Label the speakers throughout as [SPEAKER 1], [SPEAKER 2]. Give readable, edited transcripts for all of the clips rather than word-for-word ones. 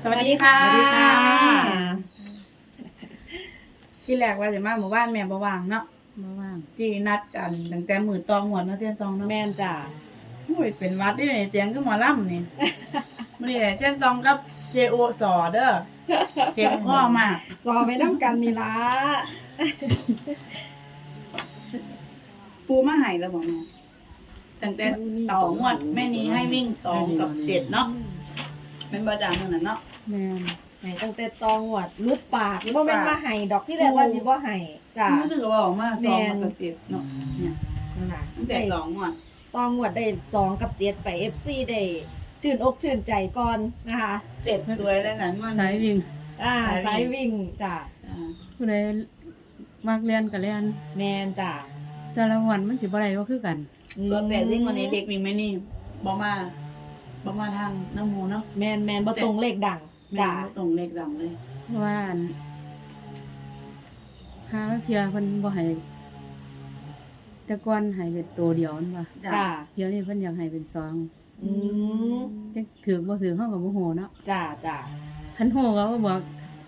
[SPEAKER 1] วัสดีค่ะ
[SPEAKER 2] สวัสดีค่ะ
[SPEAKER 1] ที่แรกว่าจะมาหมู่บ้านแม่บ่ว่างเนาะ
[SPEAKER 2] มาว่าง
[SPEAKER 1] ที่นัดกันตั้งแต่มื้อตองหวดเนาะเที่ยงตองเนาะ
[SPEAKER 2] แม่นจ้ะ
[SPEAKER 1] โอ้ยเป็นหวัดนี่เสียงคือหมอลำนี่ มื้อนี้แหละเที่ยงตองกับเจโอสอเด้อเจ็บคอมาก
[SPEAKER 2] สอไปน้ำกันนี่ล่ะ
[SPEAKER 1] ปูมาให้แล้วบ่แม่ตั้งแต่ต่องวดแม่นี้ให้วิ่ง2กับ7เนาะเป็นบ่จ้ามื้อนั้นเนาะ
[SPEAKER 2] แม่นให้ตั้งแต่ตองหวดลุดปากบ่แม่นมาให้ดอกที่แรกว่าสิบ่ให้จ้ะ
[SPEAKER 1] รู้สึกว่าออกมา2กับ7เนาะเนี่ย
[SPEAKER 2] นั่นน่ะ
[SPEAKER 1] ตั้งแต่ต่องวด
[SPEAKER 2] ตองหวดได้2กับ7ไป FC ได้ชื่นอกชื่นใจก่อนนะคะ
[SPEAKER 1] 7สวยแล้วนั่นมัน
[SPEAKER 3] สายวิ่ง
[SPEAKER 2] สายวิ่งจ้ะ
[SPEAKER 3] ผู้ใดมักเรียนก็เรียน
[SPEAKER 2] แม่นจ้ะ
[SPEAKER 3] แต่ละวันมันสิบ่ได้ก็คือกัน
[SPEAKER 1] ตัวแปดซิ่งวันนี้เด็กวิ่งไม่นี่บ่มาทางน้ำหมูเนาะ
[SPEAKER 2] แม่นบ่ตรงเลขดัง
[SPEAKER 1] แม่
[SPEAKER 2] จ้ะ
[SPEAKER 1] บ่ตรงเลขดำเลย
[SPEAKER 3] เพราะว่าหาเที่ยเพิ่นบ่ให้แต่ก่อนให้เป็นตัวเดียวนั่นว่า
[SPEAKER 2] จ้ะ
[SPEAKER 3] เที่ยวนี้เพิ่นอยากให้เป็นสอง
[SPEAKER 2] อืม
[SPEAKER 3] จักถือบ่ถือเฮาก็บ่ฮู้เนาะ
[SPEAKER 2] จ้ะจ้ะ
[SPEAKER 3] คันฮู้ก็บ่บอก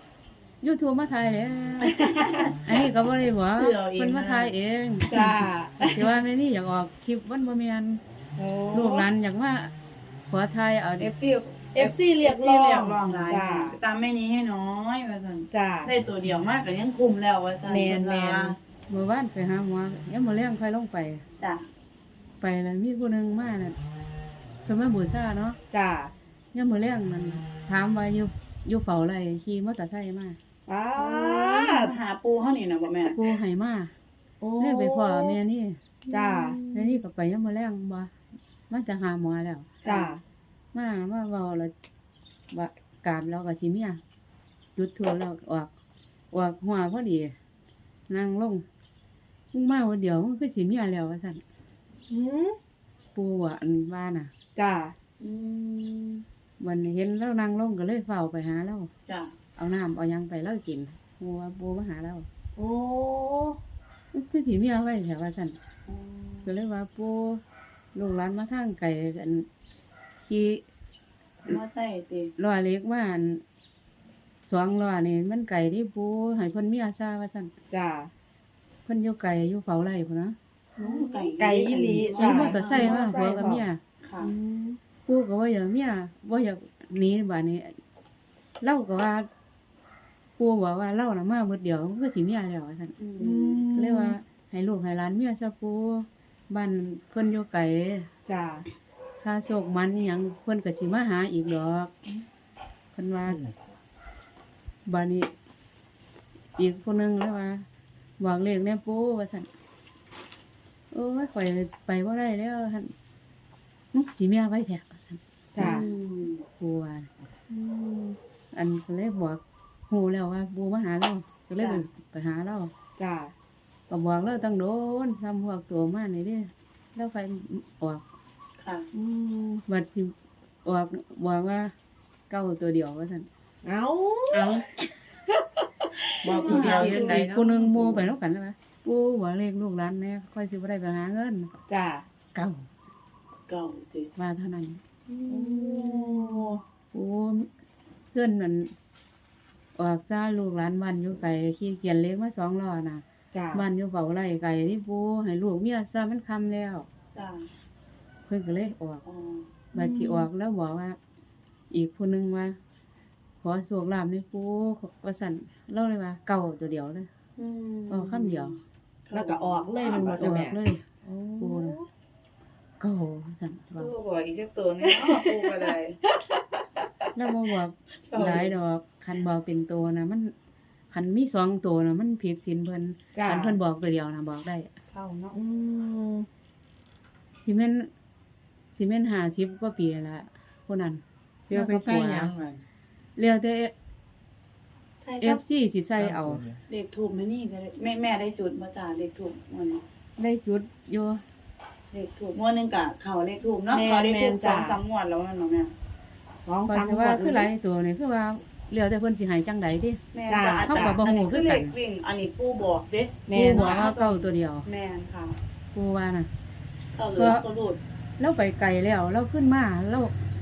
[SPEAKER 3] YouTube มาถ่ายแล้วอันนี้ก็บ่ได้บอกเพิ่นมาถ่ายเอง
[SPEAKER 2] จ้ะ
[SPEAKER 3] สิว่าแม่นี่อยากออกคลิปมันบ่แม่น
[SPEAKER 2] โอ้
[SPEAKER 3] ลูกหลานอยากมาขอถ่ายเอา
[SPEAKER 1] เอ
[SPEAKER 3] เด้
[SPEAKER 1] ฟซี
[SPEAKER 2] FC เรียกร้อง
[SPEAKER 1] เรียกร้องหลาย
[SPEAKER 2] จ้ะ
[SPEAKER 1] ตามแม่นี้ให้น้อยว่าซั่น
[SPEAKER 2] จ้ะ
[SPEAKER 1] ได้ตัวเดียวมากก็ยังคุมแล้วว่าซั่น
[SPEAKER 2] แม่น
[SPEAKER 3] เมื่อวานไปหาหมอยังมื้อแลงค่อยลงไป
[SPEAKER 1] จ้ะ
[SPEAKER 3] ไปแล้วมีผู้หนึงมาน่ะเพิ่นมาบูชาเนาะ
[SPEAKER 2] จ้ะ
[SPEAKER 3] ยังมื้อแลงมันถามว่าอยู่เฝ้าไรขี่มอเตอร์ไซค์มา
[SPEAKER 2] ป้าด
[SPEAKER 1] หาปูเฮานี่น่ะบ่แม่
[SPEAKER 3] กูให้มา
[SPEAKER 2] โอ้
[SPEAKER 3] เลยไปพ่อแม่นี่
[SPEAKER 2] จ้ะ
[SPEAKER 3] แม่นี่ก็ไปยังมื้อแลงบ่มาจะหาหมอแล้ว
[SPEAKER 2] จ้ะ
[SPEAKER 3] มาเว้าแล้วว่ากราบแล้วก็สิเมียจุดธูปแล้วออกหัวพอดีนั่งลงมึงมาวันเดียวมึงคือสิเมียแล้วว่าซั่น
[SPEAKER 2] หืม
[SPEAKER 3] ปู่ว่าอันว่าน่ะ
[SPEAKER 2] จ้ะ
[SPEAKER 1] อืม
[SPEAKER 3] วันนี้เห็นแล้วนั่งลงก็เลยเฝ้าไปหาเรา
[SPEAKER 1] จ้ะ
[SPEAKER 3] เอาน้ำเอาหยังไปแล้วกินปูว่าปูมาหาเรา
[SPEAKER 2] โอ้
[SPEAKER 3] คือสิเมียไว้แถวว่าซั่นก็เลยว่าปูลูกหลานมาทางไกลกันขี่
[SPEAKER 1] มาใส่ติ
[SPEAKER 3] ล้อเล็กมาอันสองล้อนี่มันไกลที่ปูให้เพิ่นเมียซาว่าซั่น
[SPEAKER 2] จ้ะ
[SPEAKER 3] เพิ่นอยู่ไกลอยู่เฝ้าไร่พุ่นนะ
[SPEAKER 1] โอ้
[SPEAKER 2] ไก่อีหลี
[SPEAKER 3] ขี่มอเตอร์ไซค์มาผัวกับเมีย
[SPEAKER 1] ค่ะ
[SPEAKER 2] อืม
[SPEAKER 3] ปูก็ว่าอย่างเมียบ่อยากหนีบัดนี้เล่าก็ว่าปูบอกว่าเล่าน่ะมาหมดเดียวมันก็สิเมียแล้วว่าซั่น
[SPEAKER 1] อื
[SPEAKER 2] อื
[SPEAKER 1] ม
[SPEAKER 2] ม
[SPEAKER 3] ก็เลยว่าให้ลูกให้หลานเมียซะปูบ้านเพิ่นอยู่ไกล
[SPEAKER 2] จ้ะ
[SPEAKER 3] ถ้าโชคมันอิหยังเพิ่นก็สิมาหาอีกดอกเพิ่นว่าบ้านนี้อีกผู้หนึงแล้วว่าบอกเลขแน่ปูว่าซั่นโอ้ยข่อยไปบ่ได้แล้วซั่นสิเมียไว้แท้ว่าซั่น
[SPEAKER 2] จ้ะ
[SPEAKER 3] ปูว่า
[SPEAKER 2] อืม
[SPEAKER 3] อันก็เลยบอกฮู้แล้วว่าปูมาหาเราก็เลยไปหาเรา
[SPEAKER 2] จ้ะ
[SPEAKER 3] ก็บอกเราตั้งโดนซ้ำพวกตัวมานี่เด้แล้วไฟออก
[SPEAKER 1] ค่ะ
[SPEAKER 2] อืม
[SPEAKER 3] บัดที่ออกบอกว่าเก้าตัวเดียวว่าซั่น
[SPEAKER 2] เอา
[SPEAKER 1] เอาบอกผู้เดียวจังได
[SPEAKER 3] อีก
[SPEAKER 1] เนาะ
[SPEAKER 3] คนนึงโมไปแล้วกันนะปู่ว่าเลขลูกหลานแน่ค่อยสิบ่ได้ไปหาเงิน
[SPEAKER 2] จ้ะ
[SPEAKER 3] เก้า
[SPEAKER 1] เก่าติ
[SPEAKER 3] ว่าเท่านั้น
[SPEAKER 2] โอ้
[SPEAKER 3] ปู่เสื้อนนั่นออกซาลูกหลานบ้านอยู่ไกลขี่เกียนเล็กมา2ล้อน่ะ
[SPEAKER 2] จ้ะ
[SPEAKER 3] บ้านอยู่เฝ้าไร่ไกลที่ปู่ให้ลูกเมียซะมันค่ำแล้ว
[SPEAKER 1] จ้ะ
[SPEAKER 3] เพิ่นก็เลยออก
[SPEAKER 1] อ๋อ
[SPEAKER 3] บัดสิออกแล้วบอกว่า อีกผู้หนึงว่า ขอโชคลาภในปู่ว่าซั่นเล่าเลยว่าเก่าตัวเดียวเลย
[SPEAKER 1] อืม
[SPEAKER 3] เอาคำเดียว
[SPEAKER 2] แล้วก็ออกเลยมันบ่
[SPEAKER 3] อ
[SPEAKER 2] จ้ะ
[SPEAKER 3] อ
[SPEAKER 2] แม่
[SPEAKER 3] กเลยปู่น่ะเก่าว่าซั่นว่า
[SPEAKER 1] ปูบอกอีกสักตัวนึงเนาะปูก็ได้
[SPEAKER 3] แล้วบ่บอกหลายดอกคันบอกเป็นตัวน่ะมันคันมี2ตัวน่ะมันผิดศีลเพิ่น
[SPEAKER 2] จ้ะ
[SPEAKER 3] คันเพิ่นบอกตัวเดียวน่ะบอกได้
[SPEAKER 1] เข้าเนาะ
[SPEAKER 2] อืม
[SPEAKER 3] สิแม่น50กว่าปีแล้วล่ะผู้นั้น
[SPEAKER 4] สิเอาไปใส่หยังมัน
[SPEAKER 3] แล้วแต่
[SPEAKER 1] ใช่ครับ
[SPEAKER 3] FC สิใส่เอา
[SPEAKER 1] เลขถูกไหมนี่ก็ได้แม่ได้จุดมาจ้าเลขถูกมันนี้
[SPEAKER 3] ได้จุดอยู่
[SPEAKER 1] เลขถูกงวดหนึงกะเขาเลขถูกเนาะเขาเลขถูก2-3งวดแล้วนั่นเนาะแม่
[SPEAKER 3] ข้อย
[SPEAKER 2] 2-3
[SPEAKER 3] สิว่าคือหลายตัวนี่คือว่าแล้วแต่เพิ่นสิให้จังใดติ
[SPEAKER 1] แม่
[SPEAKER 2] จ้ะ
[SPEAKER 1] จ้ะ
[SPEAKER 3] เขาก็บ่ฮู้คือกัน
[SPEAKER 1] เลขวิ่งอันนี้ปูบอกเด้
[SPEAKER 2] แม่
[SPEAKER 3] ปู่
[SPEAKER 2] น
[SPEAKER 3] บอกว่าเก่าตัวเดียว
[SPEAKER 1] แม่นค่ะ
[SPEAKER 3] ปู่ว่าน่ะ
[SPEAKER 1] เข้าหรือก็รูด
[SPEAKER 3] เราไปไกลแล้วเราขึ้นมาเรา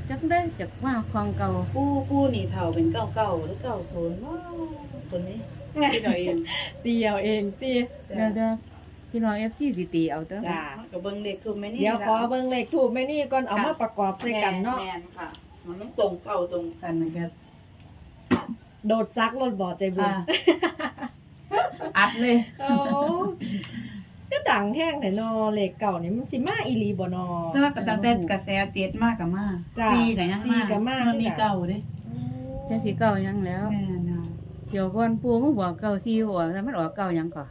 [SPEAKER 3] จักได้จากว่าของเก่า
[SPEAKER 1] ปูนี่เฒ่าเป็นเก้าเก้าหรือ90ว้าวคนนี้ที่เราเอง
[SPEAKER 2] ตีเอาเองตี
[SPEAKER 3] เดี๋ยวพี่น้อง FC สิตีเอาเด้อ
[SPEAKER 2] จ้า
[SPEAKER 1] ก็เบิ่งเลขถูกไหมนี่
[SPEAKER 2] เดี๋ยวขอเบิ่งเลขถูกไหมนี่ก่อนเอามาประกอบใส่กันเนาะ
[SPEAKER 1] แม่นค่ะ มันต้องตรงเข้าตรงกันนะครับ
[SPEAKER 2] โดดซักรถบ่ใจบุญ
[SPEAKER 1] อัดเลย
[SPEAKER 2] โอ้ก็ดังแห้งแต่นอเลขเก่านี่มันสิมาอีหลีบ่นอ
[SPEAKER 1] แต่ว่าตั้งแต่กระแสเจ็ดมากกับมา
[SPEAKER 2] จ้ะ
[SPEAKER 1] ซีไหนยัง
[SPEAKER 2] ซีก็มา
[SPEAKER 1] มันมีเก่าเด้
[SPEAKER 3] จังสิเก่าหยังแล้ว
[SPEAKER 1] แม่นอ่ะ
[SPEAKER 3] เดี๋ยวก่อนปู่มาบอกเก่าซีออกแต่มันออกเก่าหยังก่อน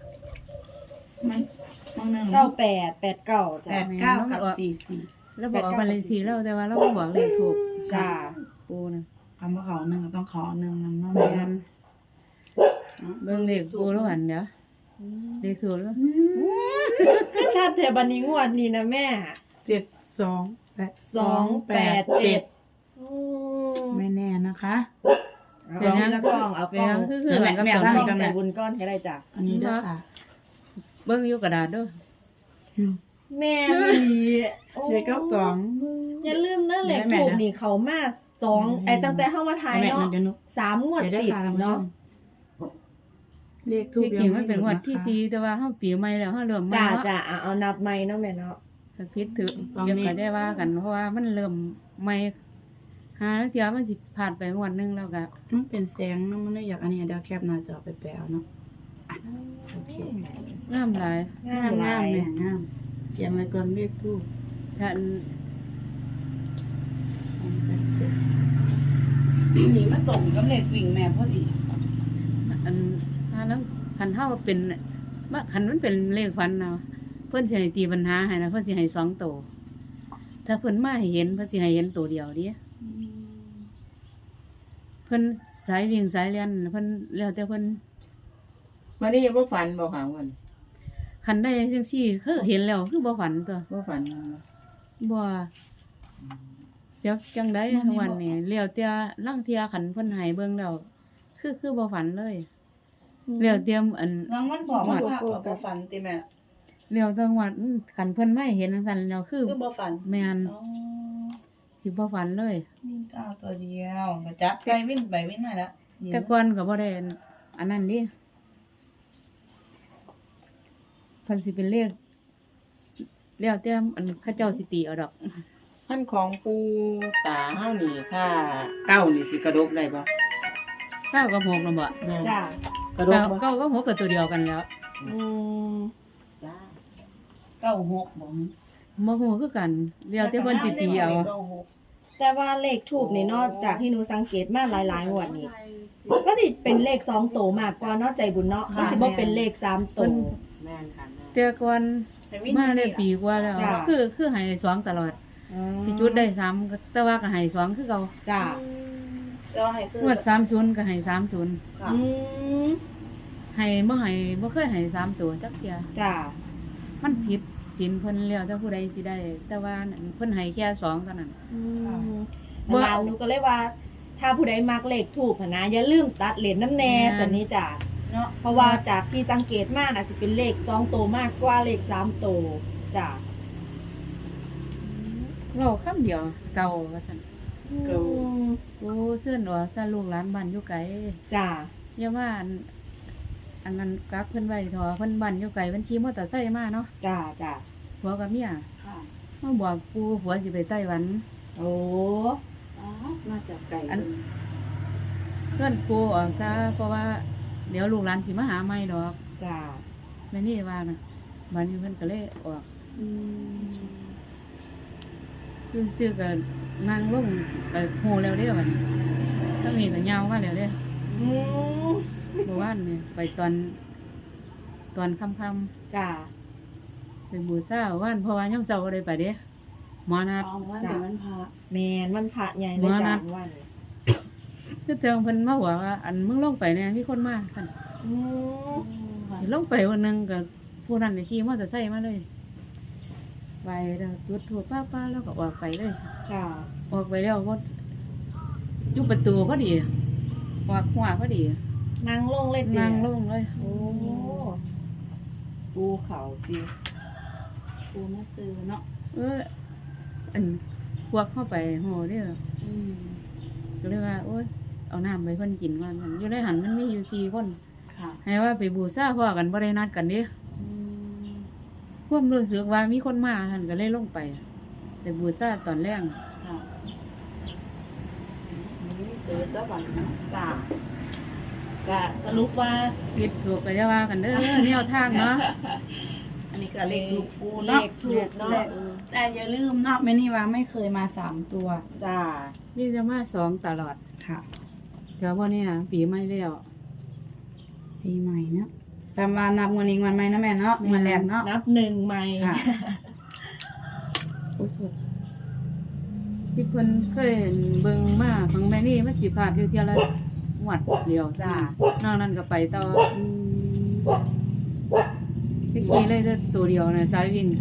[SPEAKER 1] มันนึง
[SPEAKER 2] 9889จ้ะ
[SPEAKER 1] 89กับ44
[SPEAKER 3] แล้วบอกเอาบันเลขที่แล้วแต่ว่าเราบ่บอกเลขถูก
[SPEAKER 2] จ้า
[SPEAKER 3] ปู่น่ะ
[SPEAKER 1] คำว่าเขาหนึ่งก็ต้องขอหนึ่งนำเนาะ
[SPEAKER 3] แม่
[SPEAKER 1] แม่
[SPEAKER 3] นเบิ่งเลขปู่แล้วอันเดี๋ยวเลขถูกแล้ว
[SPEAKER 2] คือชัดแต่บัดนี้งวดนี้นะแม่
[SPEAKER 1] 287
[SPEAKER 2] อืม
[SPEAKER 1] ไม่แน่นะคะ
[SPEAKER 2] เอาแล้วกล้องเอากล้อง
[SPEAKER 3] คือหลังกับ
[SPEAKER 1] แม่
[SPEAKER 3] ตอน
[SPEAKER 1] ทำ
[SPEAKER 3] นี้
[SPEAKER 2] กล้องใจบุญก้อนก็ได้จ้ะ
[SPEAKER 1] อันนี้ด้วยค่ะ
[SPEAKER 3] เบิ่งอยู่กระดาษเด้อ
[SPEAKER 2] แม่มีโอ้
[SPEAKER 1] เด็กก็สอง
[SPEAKER 2] อย่าลืมนะเลข
[SPEAKER 1] แม่
[SPEAKER 2] ถูก
[SPEAKER 1] นะ
[SPEAKER 2] นี่เขามา2ไอ้ตั้งแต่เฮามาถ่าย
[SPEAKER 1] แม่
[SPEAKER 2] เนาะ
[SPEAKER 1] เดี๋ยวหนู
[SPEAKER 2] 3งวด
[SPEAKER 1] เดี๋ยว
[SPEAKER 2] ติด
[SPEAKER 1] ค่ะท่านผู้ช
[SPEAKER 2] เนาะ
[SPEAKER 1] มเลขทูบ
[SPEAKER 3] ที่จริงมันเป็นงวดที่4แต่ว่าเฮาปีใหม่แล้วเฮาเริ่มใหม่
[SPEAKER 2] จ้า
[SPEAKER 3] เนาะ
[SPEAKER 2] จ้าเอานับใหม่เนาะแม่เนาะ
[SPEAKER 3] ถ้าผิดถือเดี๋ยวก็ได้ว่ากันเพราะว่ามันเริ่มใหม่หาแล้วเที่ยมันสิผ่านไปงวดหนึงแล้วก็
[SPEAKER 1] มันเป็นแสงเนาะมันเลยอยากอันนี้เดี๋ยวแคปหน้าจอไปแปลเนาะโอเค
[SPEAKER 3] งามหลาย
[SPEAKER 2] งามหลาย
[SPEAKER 1] แม่งามเกียงไว้ก่อนเลขทูบ
[SPEAKER 3] ถ้า
[SPEAKER 1] นี่มันตรงกับเลขวิ่งแม่พอดี
[SPEAKER 3] อันถ้าแล้วคันเฮาเป็นว่าคันมันเป็นเลขฟันเนาะเพิ่นสิให้ตีปัญหาให้นะเพิ่นสิให้2ตัวถ้าเพิ่นมาให้เห็นเพิ่นสิให้เห็นตัวเดียวเดิเพิ่นสายวิ่งสายเรียนเพิ่นแล้วแต่เพิ่น
[SPEAKER 4] วันนี้บ่ฝันบ่ค่ะวัน
[SPEAKER 3] คันได้จังซี่คือเห็นแล้วคือบ่ฝันตัว
[SPEAKER 4] บ่ฝัน
[SPEAKER 3] บ่จักจังได๋วันนี้แล้วแต่ลางเที่ยคันเพิ่นให้เบิ่งแล้วคือบ่ฝันเลยแล้วแต่อัน
[SPEAKER 1] น้องมันบอกว่าบ่ฝันติแม่
[SPEAKER 3] แล้วแต่ว่าคันเพิ่นไม่เห็นจังซั่นแล้วคือ
[SPEAKER 1] คือบ่ฝัน
[SPEAKER 3] แม่น
[SPEAKER 1] อ๋อ
[SPEAKER 3] สิบ่ฝันเลย
[SPEAKER 1] วิ่งก้าวตัวเดียวก็จับไปวิ่งไปวิ่งมาแล้ว
[SPEAKER 3] แต่ก่อนก็บ่ได้อันนั้นดิเพิ่นสิเป็นเลขแล้วแต่อันเขาเจ้าสิตีเอาดอก
[SPEAKER 4] พันของปูตาเฮานี่ถ้าเก้านี่สิกระดกได้บ่
[SPEAKER 3] เก้ากับหกนำบ่
[SPEAKER 2] จ้าก
[SPEAKER 4] ระดกบ่
[SPEAKER 3] เก้ากับหกก็ตัวเดียวกันแล้ว
[SPEAKER 2] อืม
[SPEAKER 4] จ้า
[SPEAKER 1] 96บ่
[SPEAKER 3] บ่ฮู้คือกันแล้วแต่เพิ่นสิตีเอา
[SPEAKER 2] แต่ว่าเลขถูกนี่เนอกจากที่หนูสังเกตมาหลายๆงวดนี่ก็สิเป็นเลข2โตวมากกว่าเนาะใจบุญเนาะมันสิบ่เป็นเลข3โตว
[SPEAKER 4] แม่นค่ะแม่
[SPEAKER 3] แต่ก่อนมาได้ปีกว่าแล้ว
[SPEAKER 2] จ้ะ
[SPEAKER 3] คือให้2ตลอดสิจุดได้3ก็แต่ว่าก็ให้2คือเก่า
[SPEAKER 2] จ้า
[SPEAKER 1] ก็ให้ซื้อง
[SPEAKER 3] วด30ก็ให้30
[SPEAKER 1] ค่ะ
[SPEAKER 2] อืม
[SPEAKER 3] ให้บ่เคยให้3ตัวจักเที่ย
[SPEAKER 2] จ้า
[SPEAKER 3] มันผิดศีลเพิ่นแล้วแต่ผู้ใดสิได้ แต่ว่านั่นเพิ่นให้แค่2เท่านั้น
[SPEAKER 2] อืม
[SPEAKER 3] บ่
[SPEAKER 2] ร้านหนูก็เลยว่า ถ้าผู้ใดมักเลขถูกหั้นนะอย่าลืมตัดเหรียญน้ำแน่
[SPEAKER 3] แม่น
[SPEAKER 2] สันนี้จ้ะ
[SPEAKER 1] เนาะ
[SPEAKER 2] เพราะว่าจากที่สังเกตมากอาจจะเป็นเลข2โตวมากกว่าเลข3โตวจ้ะ
[SPEAKER 3] เว้าคำเดียวเก่าว่าซั่น
[SPEAKER 2] อืม
[SPEAKER 3] กูเสื้อนว่าซะลูกหลานบ้านอยู่ไกล
[SPEAKER 2] จ้ะ
[SPEAKER 3] อย่าว่าอันนั้นกักเพิ่นไว้เถอะเพิ่นบ้านอยู่ไกลเพิ่นขี่มอเตอร์ไซค์มาเนาะ
[SPEAKER 2] จ้ะจ้ะ
[SPEAKER 3] ผัวกับเมีย
[SPEAKER 1] ค่ะ
[SPEAKER 3] มาบอกกูผัวสิไปไต้หวัน
[SPEAKER 2] โอ้
[SPEAKER 1] อ๋อมาจากไก่
[SPEAKER 3] อัน เพื่อนกูออกซะเพราะว่าเดี๋ยวลูกหลานสิมาหาใหม่ดอก
[SPEAKER 2] จ้ะ
[SPEAKER 3] แม่นี่ว่านะบัดนี้เพิ่นก็เลยออก
[SPEAKER 2] อืม
[SPEAKER 3] ซื้อก็นั่งลงก็โหแล้วเด้อบัดนี้ถ้ามีก็ยาวมาแล้วเด้อ
[SPEAKER 2] อืม
[SPEAKER 3] เมื่อวานนี่ไปตอนค่ำ
[SPEAKER 2] จ้ะ
[SPEAKER 3] ๆเป็นบูชาว่านเพราะว่ายังเช้าบ่ได้ไปเด้หมอนัด
[SPEAKER 1] อ๋อว่าเดี๋ยวมันพา
[SPEAKER 2] แมนมันพระใหญ่เลย
[SPEAKER 3] มา
[SPEAKER 2] จ้ะ
[SPEAKER 3] นะ
[SPEAKER 2] วัน
[SPEAKER 3] คือเติงเพิ่นมาบอกว่า อันมึงลงไปเนี่ยมีคนมาซั่น
[SPEAKER 2] อืม
[SPEAKER 3] สิลงไปวันหนึงก็ผู้นั้นก็ขี่มอเตอร์ไซค์มาเลยไปแล้วจุดธูปป้าๆแล้วก็ออกไปเลย
[SPEAKER 2] จ้ะ
[SPEAKER 3] ออกไปแล้วก็อยู่ประตูพอดีออกหัวพอดี
[SPEAKER 2] นั่งลงเลยจ้ะ
[SPEAKER 3] นั่งลงเลย
[SPEAKER 2] โอ้ปูเขาจริง
[SPEAKER 1] ปูมาซื้อเนาะ
[SPEAKER 3] อันพวกเข้าไปโหเด้อโอ๊ยเอาน้ำไปเพิ่นกินว่าซั่นอยู่ในหันมันมีอยู่4คน
[SPEAKER 1] ค่ะ
[SPEAKER 3] ให้ว่าไปบูชาพ่อกันบ่ได้นัดกันเด้ความรู้สึกว่ามีคนมาท่านก็เลยลงไปไปบูชาตอนแรก
[SPEAKER 1] ค่ะซื้อเจ้าบันจ้าก็สรุปว่า
[SPEAKER 3] ผิดถูกก็อย่าว่ากันเด้อแนวทางเนาะ
[SPEAKER 1] อันนี้ก็เลขถูกปู
[SPEAKER 2] เล
[SPEAKER 1] เนาะ
[SPEAKER 2] ขถูกเนาะ
[SPEAKER 1] แต่อย่าลืมเนาะแม่นี่ว่าไม่เคยมา3ตัว
[SPEAKER 2] จ้า
[SPEAKER 3] นี่จะมา2ตลอด
[SPEAKER 1] ค่ะ
[SPEAKER 3] เดี๋ยววันนี้ปีใหม่แล้ว
[SPEAKER 1] ปีใหม่เนาะตามวันนับวันนี้วันใหม่นะแม่เนาะวันแรกเนาะ
[SPEAKER 2] นับ1ใหม่
[SPEAKER 1] ค่ะ
[SPEAKER 3] โอ้โหที่เพิ่นเคยเห็นเบิ่งมาของแม่นี่มันสิพลาดอยู่เที่ยละงวดเดียว
[SPEAKER 2] จ้า
[SPEAKER 3] นอกนั้นก็ไปต่อที่กี้เลยเด้อตัวเดียวนะสายวิ่ง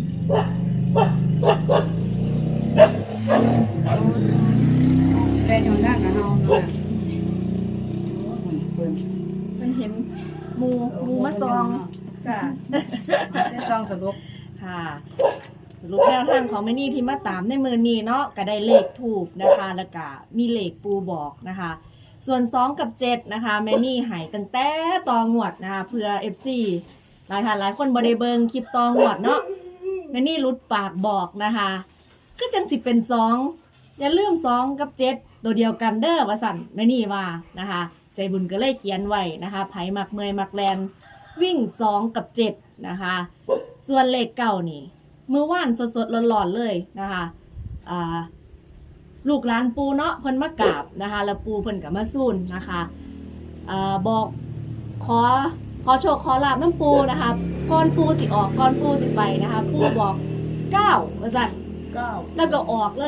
[SPEAKER 1] แฟนอยู่ด้านกับเฮาเนาะโอ้ยเพิ่น
[SPEAKER 2] มันเห็นหมูมาซอง
[SPEAKER 1] จ้าได้ซองสรุป
[SPEAKER 2] ค่ะสรุปแนวทางของแม่นี่ที่มาตามในมือนี้เนาะก็ได้เลขถูกนะคะแล้วก็มีเลขปูบอกนะคะ ส่วน2กับ7นะคะแม่นี่ใหายตั้งแต่ตองวดนะคะเพื่อ FC หลายท่านหลายคนบ่ได้เบิ่งคลิปตองวดเนาะแม่นี่รุดปากบอกนะคะก็จังสิเป็น2อย่าลืม2กับ7ตัวเดียวกันเด้อว่าสั่นแม่นี่ว่านะคะ ใจบุญก็เลยเขียนไว้นะคะไผมักเมยมักแลนวิ่ง2กับ7นะคะ ส่วนเลขเก่านี่เมื่อวานสดๆร้อนๆเลยนะคะลูกหลานปูเนาะเพิ่นมากราบนะคะแล้วปูเพิ่นก็มาสู้นนะคะบอกขอโชคขอลาบน้ำปูนะคะก่อนปูสิออกก่อนปูสิไปนะคะปูบอก9ว่าซั่น
[SPEAKER 1] 9
[SPEAKER 2] แล้วก็ออกเลย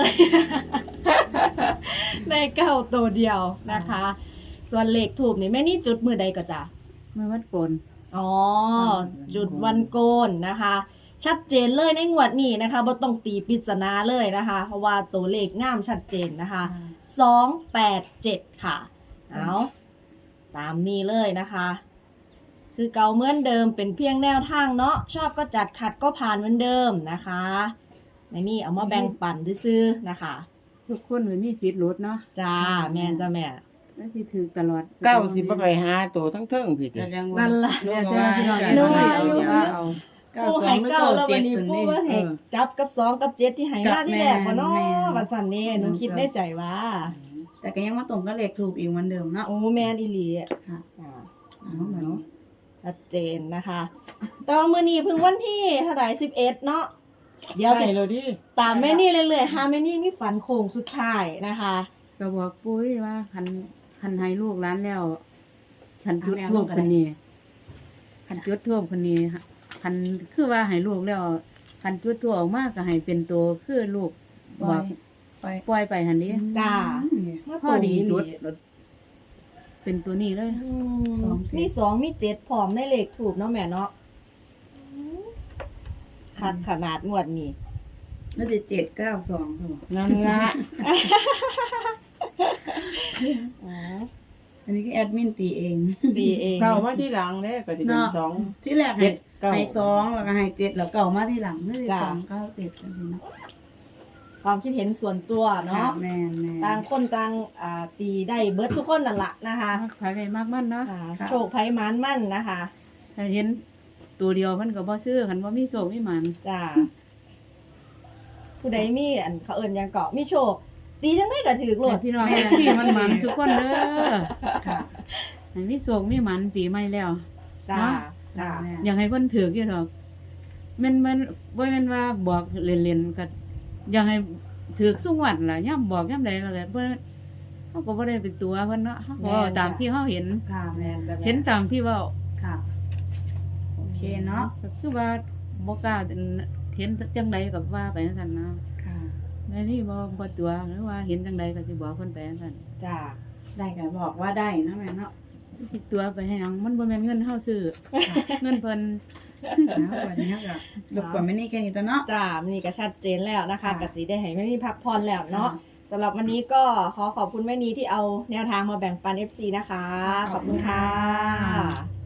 [SPEAKER 2] ได้9ตัวเดียวนะคะ ส่วนเลขถูกนี่แม่นี่จุดมือใดก็จ้ะ
[SPEAKER 3] เมื่อวัดโกน
[SPEAKER 2] อ๋อ จุดวันโกนนะคะ ชัดเจนเลยในงวดนี้นะคะบ่ต้องตีปริศนาเลยนะคะ เพราะว่าตัวเลขงามชัดเจนนะคะ287ค่ะเอาตามนี้เลยนะคะ คือเก่าเหมือนเดิมเป็นเพียงแนวทางเนาะชอบก็จัดขัดก็ผ่านเหมือนเดิมนะคะในนี่เอามาแบ่งปันซื้อๆนะคะ
[SPEAKER 3] ทุกคนมีสิทธิ์ลดเนาะ
[SPEAKER 2] จ้าแม่นจ้าแม่
[SPEAKER 3] แล้วสิถือตลอด
[SPEAKER 4] เก้าสิบ่ไปหาตัวทั้งเทิงพี่ติ
[SPEAKER 2] นั่นล่ะ
[SPEAKER 3] แล้วแต่พี่น้อง
[SPEAKER 2] นึกว่า
[SPEAKER 3] เอา
[SPEAKER 2] อยู่
[SPEAKER 3] เอา
[SPEAKER 2] ปูให้เก้าแล้ววันนี้ปูว่าให้จับกับ2กับ7ที่ให้มาที่แรกบ่เนาะวันสันนี่หนูคิดในใจว่า
[SPEAKER 1] แต่ก็ยังมาตรงกับเลขถูกอีกเหมือนเดิมเนาะ
[SPEAKER 2] โอ้แม่นอีหลี
[SPEAKER 1] ค่ะ
[SPEAKER 2] อ่า
[SPEAKER 1] เอาเหมือน
[SPEAKER 2] ชัดเจนนะคะ แต่ว่ามื้อนี้เพิ่งวันที่เท่าไหร่11เนาะเดี๋ยว
[SPEAKER 4] ใช่
[SPEAKER 2] จะ
[SPEAKER 4] เลยดิ
[SPEAKER 2] ตามแม่นี่เรื่อยๆหาแม่นี่มีฝันโค้งสุดท้ายนะคะ
[SPEAKER 3] ก็บอกปุ้ยว่าคันให้ลูกหลานแล้วคันจุดท่วมคนนี้คันจุดท่วมคนนี้คันคือว่าให้ลูกแล้วคันจุดท่วมออกมาก็ให้เป็นตัวคือลูกบอก
[SPEAKER 1] ไป
[SPEAKER 3] ปล่อยไปหันนี้
[SPEAKER 2] จ้า
[SPEAKER 3] พอดีจุดเป็นตัวนี้เลย
[SPEAKER 2] อืมมี2มี7พร้อมในเลขถูกเนาะแม่เนาะคัดขนาดงวดนี้
[SPEAKER 1] น่าจะ792ค่ะ
[SPEAKER 4] นั่นละ
[SPEAKER 2] อ๋อ
[SPEAKER 1] อันนี้ก็แอดมินตีเอง
[SPEAKER 2] ดีเอง
[SPEAKER 4] เก้ามาที่หลังเด้ก็สิเป็นสอง
[SPEAKER 1] ที่แรกให้
[SPEAKER 4] เก้า
[SPEAKER 1] ให้2แล้วก็ให้7แล้วเก่ามาที่หลังนี่2 9 7จังซี่เนาะ
[SPEAKER 2] ความคิดเห็นส่วนตัวเนาะ
[SPEAKER 1] แม่น
[SPEAKER 2] ต่างคนต่างตีได้เบิดทุกคนนั่นละนะคะ
[SPEAKER 3] ขายไปมากมันเนาะ
[SPEAKER 2] โชคไพ่มันมั่นนะคะ
[SPEAKER 3] ถ้าเห็นตัวเดียวมันก็บ่ซื้อคันบ่มีโศกมีหมัน
[SPEAKER 2] จ้าผู้ใดมีอันเขาเอิญยังเกาะมีโชคตีจังได้ก็ถือโหล
[SPEAKER 3] แต่
[SPEAKER 2] ด
[SPEAKER 3] พี่น้องที่มันหมันทุกคนเด้อ
[SPEAKER 1] ค่ะ
[SPEAKER 3] ให้มีโศกมีหมันปีใหม่แล้ว
[SPEAKER 2] จ้า
[SPEAKER 3] เนาะ
[SPEAKER 2] จ้า
[SPEAKER 3] อยากให้เพิ่นถืออยู่ดอกมันบ่แม่นว่าบอกเล่นๆก็อยากให้ถือสุงวัดล่ะย่ํบอกย่ํใดแล้วก็เพิ่นเฮาก็บ่ได้เป็นตัวเพิ่นเนาะเฮาก็เว้าตามที่เฮาเห็น
[SPEAKER 1] ค่ะแม่นจ้ะ
[SPEAKER 3] เห็นตามที่เว้า
[SPEAKER 1] ค่ะโอเคเนาะ
[SPEAKER 3] ก็คือว่าบ่กล้าเห็นจังใดก็ว่าไปจังซั่นนะ
[SPEAKER 1] ค่ะ
[SPEAKER 3] แม่นี่บ่ตัวหรือว่าเห็นจังใดก็สิบอกเพิ่นไปจังซั่น
[SPEAKER 2] จ้า
[SPEAKER 1] ได้ก็บอกว่าได้นะแม่เนาะ
[SPEAKER 3] สิตัวไปให้หยังมันบ่แม่นเงินเฮาซื้อเงินเพิ่น
[SPEAKER 1] นะวันนี้ก็รบกวนไม่นี่แค่นี้ตัวเนาะ
[SPEAKER 2] จ้ามันนี่ก็ชัดเจนแล้วนะคะ
[SPEAKER 1] ค่ะ
[SPEAKER 2] กติได้ให้แม่นีพักผ่อนแล้วเนาะสำหรับวันนี้ก็ขอขอบคุณแม่นีที่เอาแนวทางมาแบ่งปัน FC นะคะ ขอบคุณค่ะ